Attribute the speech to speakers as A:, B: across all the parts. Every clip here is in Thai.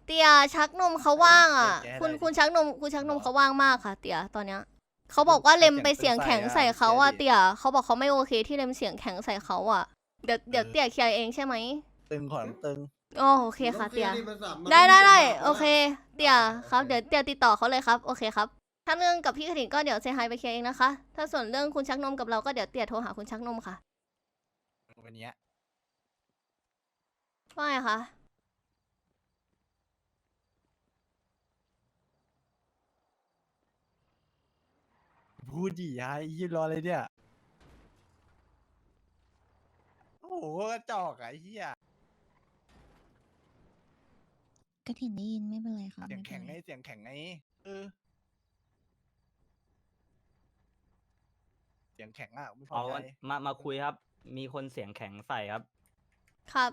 A: เตียชักนมเขาว่างอ่ะคุณชักนมเขาว่างมากค่ะเตียตอนเนี้ยเขาบอกว่าเลมไปเสียงแข็งใส่เขาอ่ะเตียเขาบอกเขาไม่โอเคที่เลมเสียงแข็งใส่เขาอ่ะเดี๋ยวเตียเคลียร์เองใช่ไหม
B: ตึงขอตึง
A: อ๋อโอเคค่ะเตียได้โอเคเตียครับเดี๋ยวเตียติดต่อเขาเลยครับโอเคครับถ้าเรื่องกับพี่ขถินก็เดี๋ยวเซฮายไปเคลียร์เองนะคะถ้าส่วนเรื่องคุณชักนมกับเราก็เดี๋ยวเตียโทรหาคุณชักนมค่ะ
B: วันนี้
A: ว่าไงคะ
B: พูดดิยายยืนรอเลยเนี่ยโอ้โหกระจอกอะไอ้เหี้ย
C: กระถิ่นได้ยินไม่เป็นไรค่ะ
B: เสียง
C: ไม่เป็
B: แข็ง
C: น
B: ไง
C: ไร
B: เสียงแข็งไงเสียงแข็งอ่ะไม่พอ
D: เอา
B: ใจ
D: มาคุยครับ มีคนเสียงแข็งใส่ครับ
A: ครับ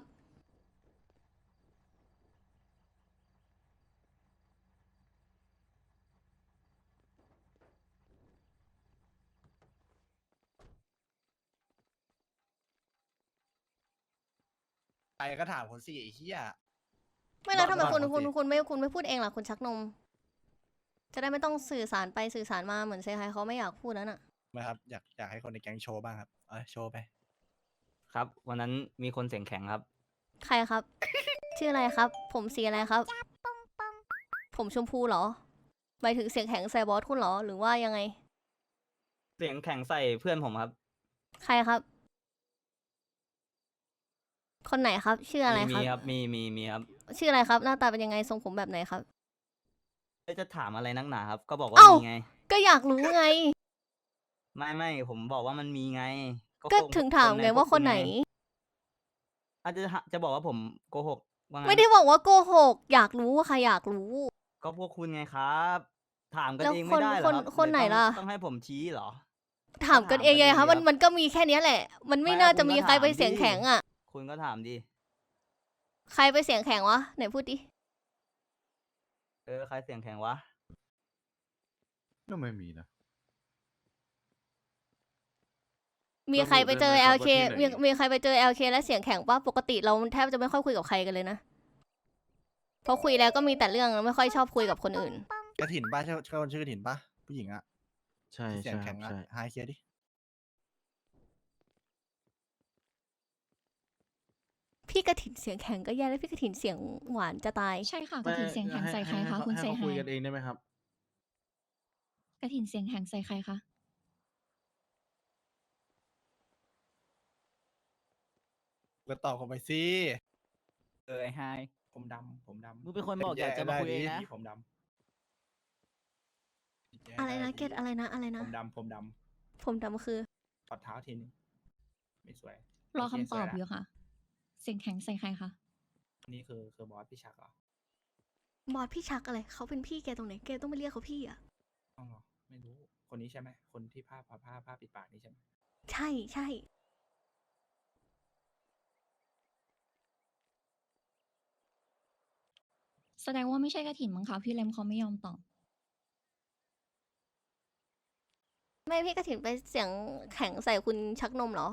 B: ใครก็ถามคนสิไอ้เหี้ย
A: ไม่แล้วทำไม
B: บอก
A: คุณ
B: บอก
A: คุณ
B: สิ
A: คุณไม่พูดเองล่ะคุณชักนม จะได้ไม่ต้องสื่อสารไปสื่อสารมาเหมือนเซฮายเขาไม่อยากพูดนั่นน่ะ
B: ไม่ครับอยากให้คนในแก๊งโชว์บ้างครับโชว์ไป
D: ครับ วันนั้นมีคนเสียงแข็งครับ
A: ใครครับ ชื่ออะไรครับ ผมสีอะไรครับ ผมชมพูเหรอหมายถึงเสียงแข็งใส่บอสคุณเหรอหรือว่ายังไง
D: เสียงแข็งใส่เพื่อนผมครับ
A: ใครครับ คนไหนครับ ชื่ออะไร
D: มี
A: ครับ
D: ครับ มีครับ
A: ชื่ออะไรครับ หน้าตาเป็นยังไงทรงผมแบบไหนครับ
D: จะถามอะไรนักหนาครับ ก็บอกว่า
A: เอ้า
D: มีไง
A: ก็อยากรู้ไง
D: ไม่ผมบอกว่ามันมีไง
A: ก็
D: ค
A: ถึงถามไง
D: ใพ
A: ว่าคนไหน
D: อาจจะบอกว่าผมโกหกว่างั้น
A: ไม่ได้บอกว่าโกหก อยากรู้ว่าใครอยากรู้
D: ก็พวกคุณไงครับ ถามกัน
A: แล้ว
D: เอง
A: ค
D: ไม่
A: น
D: ได้เหร
A: ค
D: อน ครับ
A: คนไหน
D: รือต้อง
A: ล่ะ
D: ต้องให้ผมชี้เหรอ
A: ถามกันเองไง
D: ถาม
A: คะ
D: กัน
A: มันก็มีแค่เนี้ยแหละ มันไม่
D: ไม่
A: น่า
D: คุณ
A: จะมี
D: ก็
A: ใครไป
D: ถาม
A: เสียง
D: ดิ
A: แข็งอ่ะ
D: คุณก็ถามดิ
A: ใครไปเสียงแข็งวะไหนพูดดิ
D: ใครเสียงแข็งวะ
E: ก็ไม่มีนะ
A: มีใครไปเจอ
E: ระบุ
A: LK
E: ได้ไหมครับว่าที่ไหน
A: มีใครไปเจอ LK และเสียงแข็งปะปกติเราแทบจะไม่ค่อยคุยกับใครกันเลยนะเพราะคุยแล้วก็มีแต่เรื่องไม่ค่อยชอบคุยกับคนอื่น
B: กระถิ่นป้าใช่คนชื่อกระถิ่นป้าผู้หญิงอ่ะ
E: ใช่
B: ที่เสียง
E: ใช่ค
B: แข็
E: รับ
B: งอ่ะ
E: ใช่
B: หายเคลียร์ดิ
A: พี่กระถินเสียงแข็งก็แย่แล้วพี่กระถินเสียงหวานจะตาย
C: ใช่ค่ะกระถิ่นเสียงแข็งใส่ใครคะคุณเซ
E: ให้เขา
C: ฮา
E: คุย
C: ย
E: กันเองได้ไหมครับ
C: กระถิ่นเสียงแข็งใส่ใครคะ
B: ก็ตอบผมไปสิ
F: ไอ้ไฮ
B: ผมดำผมดำ
F: มึงเป็นคนบอกอยากจะมาคุยเองนะ
B: พี่ผมดำ
A: อะไรนะเกตอะไรนะอะไรนะ
B: ผมดำ
A: ผมดำคือ
B: ถอดเท้าทีนึงไม่สวย
C: รอ
B: โเค
C: คำตอบ
B: สวละ
C: อยู่ค่ะ เสียงแข็งใส่ใครคะ
B: นี่คือบอสพี่ชักเหรอ
A: บอสพี่ชักอะไรเขาเป็นพี่แกตรงไหนแกต้องไปเรียกเขาพี่อ่ะ
B: อ๋อเหรอไม่รู้คนนี้ใช่ไหมคนที่ผ้าปิดปากนี่ใช่ไหม
A: ใช่ใช่
C: แสดงว่าไม่ใช่กระถิ่นมั้งคะพี่เลมเขาไม่ยอมตอบ
A: ไม่พี่กระถินไปเสียงแข็งใส่คุณชักนมเหรอ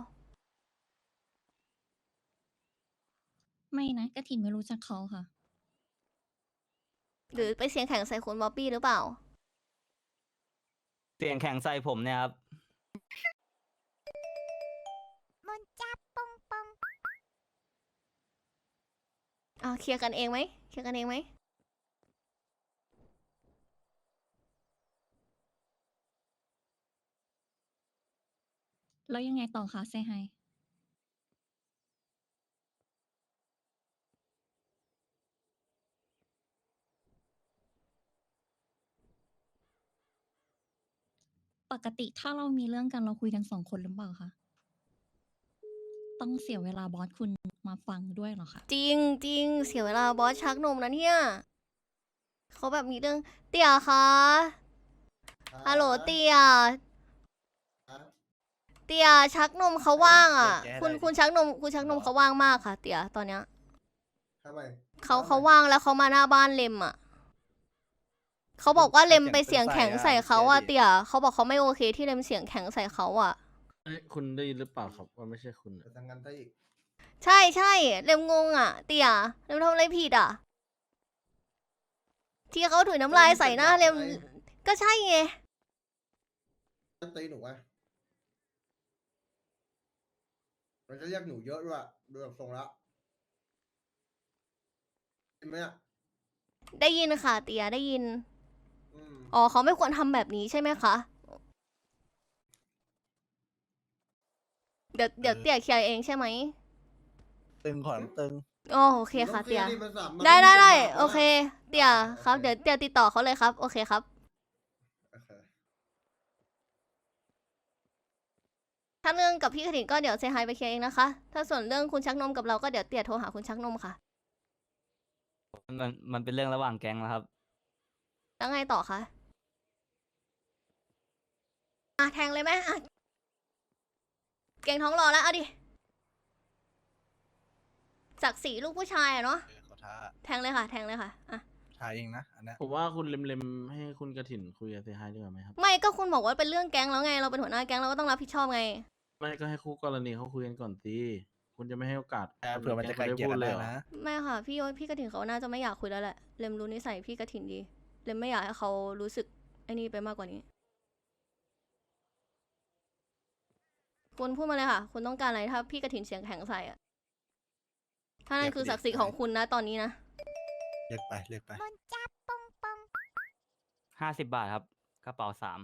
C: ไม่นะกระถิ่นไม่รู้จักเขาค่ะ
A: หรือไปเสียงแข็งใส่คุณบ๊อบบี้หรือเปล่า
D: เสียงแข็งใส่ผมเนี่ยครับ
A: เคลียร์กันเองไหมเคลียร์กันเองไหม
C: แล้วยังไงต่อคะเซฮายปกติถ้าเรามีเรื่องกันเราคุยกัน2 คนหรือเปล่าคะ ต้องเสียเวลาบอสคุณมาฟังด้วยเหรอคะ
A: จริงจริงเสียเวลาบอสชักนมนะเนี่ยเขาแบบมีเรื่องเตี่ยคะฮัลโหลเตี่ยเตี่ยชักนมเขาว่างอ่ะ คุณชักนมเขาว่างมากค่ะ เตี่ยตอนเนี้ย
G: ทำไม
A: เขาว่างแล้วเขามาหน้าบ้านเลมอ่ะเขาบอกว่าเลมไปเสียงแข็งใส่เขาอ่ะเตี่ยเขาบอกเขาไม่โอเคที่เลมเสียงแข็งใส่เขาอ่ะ
E: เอ้ยคุณได้ยินหรือเปล่าครับว่าไม่ใช่คุณ
G: ไปทำงานได้อีก
A: ใช่เลมงงอ่ะ เตี่ยเลมทำอะไรผิดอ่ะที่เขาถุยน้ำลายใส่หน้าเลมก็ใช่ไง
G: ตีหนูไงมันจะเรียกหนูเยอะด้วยดูจากทรงแล้วเห็นไหมอ่ะ
A: ได้ยินค่ะเตียได้ยิน
G: อืม
A: อ๋อเขาไม่ควรทำแบบนี้ใช่ไหมคะ เดี๋ยวเตียเคลียร์เองใช่ไหม
F: ตึงขอนตึง
A: อ๋อโอเคค่ะเตีย
G: นี่มันสามารถ
A: ได้โอเค เตียครับเดี๋ยวเตียติดต่อเขาเลยครับ โอเคครับ
G: โอเค
A: ถ้าเรื่องกับพี่กระถิ่นก็เดี๋ยวเซฮายไปเคลียร์เองนะคะ ถ้าส่วนเรื่องคุณชักนมกับเราก็เดี๋ยวเตียโทรหาคุณชักนมค่ะ
D: มันเป็นเรื่องระหว่างแก๊งแล้วครับ
A: แล้วไงต่อคะอ่ะแทงเลยไหมอ่ะเก่งท้องรอแล้วเอาดิจากสีลูกผู้ชายอะเนาะ
F: ขอท้า
A: แทงเลยค่ะ แทงเลยค่ะอ่ะ
F: ท้าเองนะอันเนี้ย
E: ผมว่าคุณเล็มๆให้คุณกระถิ่นคุยกับเซฮายดีกว่าไหมครับ
A: ไม่ก็คุณบอกว่าเป็นเรื่องแก๊งแล้วไง เราเป็นหัวหน้าแก๊งเราก็ต้องรับผิดชอบไง
E: ไม่ก็ให้คู่กรณีเขาคุยกันก่อนสิคุณจะไม่ให้โอกาส
F: เผื่อมันจะไกล
E: แง
F: เกลี่ย
E: พู
F: กั
E: ด
F: น
E: เล
F: ได้
E: ยเหรอ
F: นะ
A: ไม่ค่ะ พี่กระถิ่นเขาน่าจะไม่อยากคุยแล้วแหละเรมรู้นิสัยพี่กระถิ่นดีเรมไม่อยากให้เขารู้สึกไอ้นี่ไปมากกว่านี้ คุณพูดมาเลยค่ะ คุณต้องการอะไรถ้าพี่กระถิ่นเสียงแข็งใส่อะถ้านั่นคือศักดิ์ศรีของคุณนะตอนนี้นะ
F: เรียกไปเรียกไป
D: 50 บาทครับ กระเป๋า 3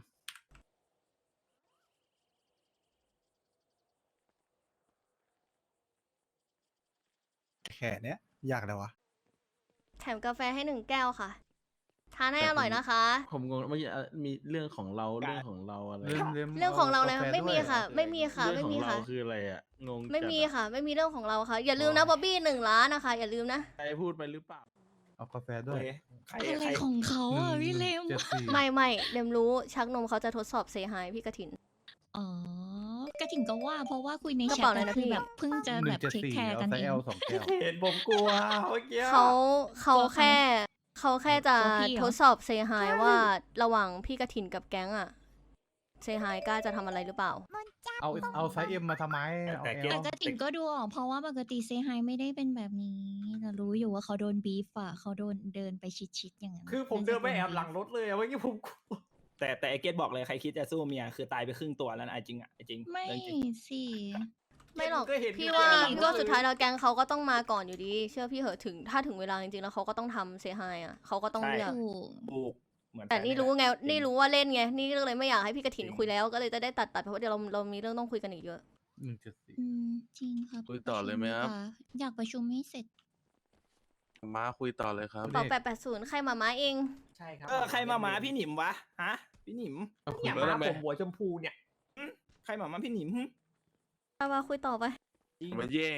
F: แค่เนี้ยยากแล้ววะ
A: แถมกาแฟให้1 แก้วค่ะ ทานให้
E: แต่
A: อร่อย
E: ผม
A: นะคะ
E: ผมงงเมื่อกี้มีเรื่องของเราเรื่องของเราอะไร
A: เรื่องของเราเลยค่ะไม่มีค่ะ ไม่มีค่ะ
E: เรื่
A: ไม่
E: องข
A: มี
E: องเรา
A: ค่ะ
E: คืออะไรอ่ะงง
A: ไม่มี
E: จัดอะ
A: ค่ะ ไม่มีเรื่องของเราค่ะ อย่าลืมนะบ๊อบบี้1 ล้านนะคะ อย่าลืมนะ
E: ใครพูดไปหรือเปล่า
H: เอากาแฟด้วย
F: ใคร
C: อะไร
F: ใคร
C: ของเขาอ่ะพี่เลม
H: 174
A: ไม่เรมรู้ชักนมเขาจะทดสอบเซฮายพี่กระถิน
C: อ๋อกระถิ่นก็ว่า เพราะว่าคุยใน
A: กระ
C: แชท
A: เป๋าอะไร
C: อะ
A: นะ
C: คือ
A: พี่
C: แบบเพิ่งจะแบบเทคแคร์กัน
H: เอาไซ
C: เอ
H: ส์
C: ง
H: L 2 แก้ว
B: เห็นผมกลัวเมื่อกี้
A: เขาแค่จะ
C: ตัวพี่เหรอ
A: ทดสอบเซฮายว่าระหว่างพี่กระถินกับแก๊งอะเซฮายกล้าจะทำอะไรหรือเปล่า
H: เอาไซส์ M มาทำไมเอา
B: แต่
H: L
C: แต่กระถิ่นก็ดูออกเพราะว่าปกติเซฮายไม่ได้เป็นแบบนี้แต่รู้อยู่ว่าเขาโดนบีฟอ่ะเขาโดนเดินไปชิดๆอย่างนั้น
B: คือผมเดินไปแอบหลังรถเลยอะเมื่อกี้ผมกลัวแต่ไอเกตบอกเลยใครคิดจะสู้เมียคือตายไปครึ่งตัวแล้วนะไอจริงอะไอจริง
C: ไม่
B: เรื่องจริง
C: สิ
A: ไม่หรอก
B: ก็เห็น
A: พี่
B: อยู่
A: ว่า
B: ในหลัง
A: ก็
B: รถเลย
A: สุดท้ายแล้วแก๊งเขาก็ต้องมาก่อนอยู่ดี เชื่อพี่เหอะถ้าถึงเวลาจริงๆแล้วเขาก็ต้องทำเซฮายอะเขาก็ต้องเลือก
C: ถูก
B: บุกเหมือน
A: แต่
B: กั
A: นี่
B: เย
A: รู้ไง
B: จง
A: นี่รู้ว่าเล่นไง นี่ก็เลยไม่อยากให้พี่กระถิน
B: จริง
A: คุยแล้ว ก็เลยจะได้ตัดเพราะว่าเดี๋ยวเรามีเรื่องต้องคุยกันอีกเยอะ
H: 174
C: อืมจริงครับ
E: คุยต่อเลยไหมครับ
C: อยากประชุมให้เสร็จ
E: มาคุยต่อเลยครับ
A: เป่า880 ใครมาม้าเอง
B: ใช่ครับใครมาหมาพี่หนิมวะฮะพี่หนิม
E: เนี่ยหมาผมหัวชมพู
B: เนี่ยใครมาหมาพี่หนิม
A: มาคุยต่อไป
B: จริง
E: มันแย่ง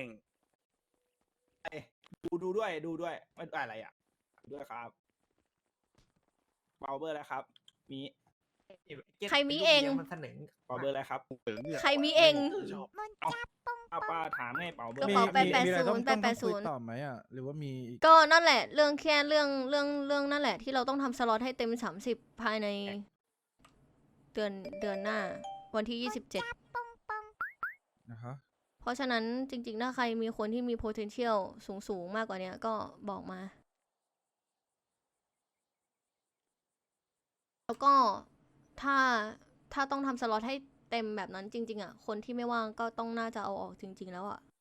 B: ดูด้วยไม่อะไรอ่ะดูด้วยครับเบาเบอร์แล้วครับ มี
A: ใครมีเอง
B: เบาเบอร์แล้วครับ
A: ใครมีเอง
B: เอาป้าถามไงเบาเบอร์
A: กระเป๋า
B: มี
A: 880
H: ต่อไหมอ่ะ หรือว่ามี
A: ก็นั่นแหละ เรื่องแค่เรื่องนั่นแหละ ที่เราต้องทำสล็อตให้เต็ม30ภายในเดือนหน้า วันที่ 27
H: นะฮะ
A: เพราะฉะนั้นจริงๆ ถ้าใครมีคนที่มี potential สูงมากกว่าเนี้ยก็บอกมา แล้วก็ถ้าต้องทำสล็อตให้เต็มแบบนั้นจริงๆอ่ะ คนที่ไม่ว่างก็ต้องน่าจะเอาออกจริงๆแล้วอ่ะ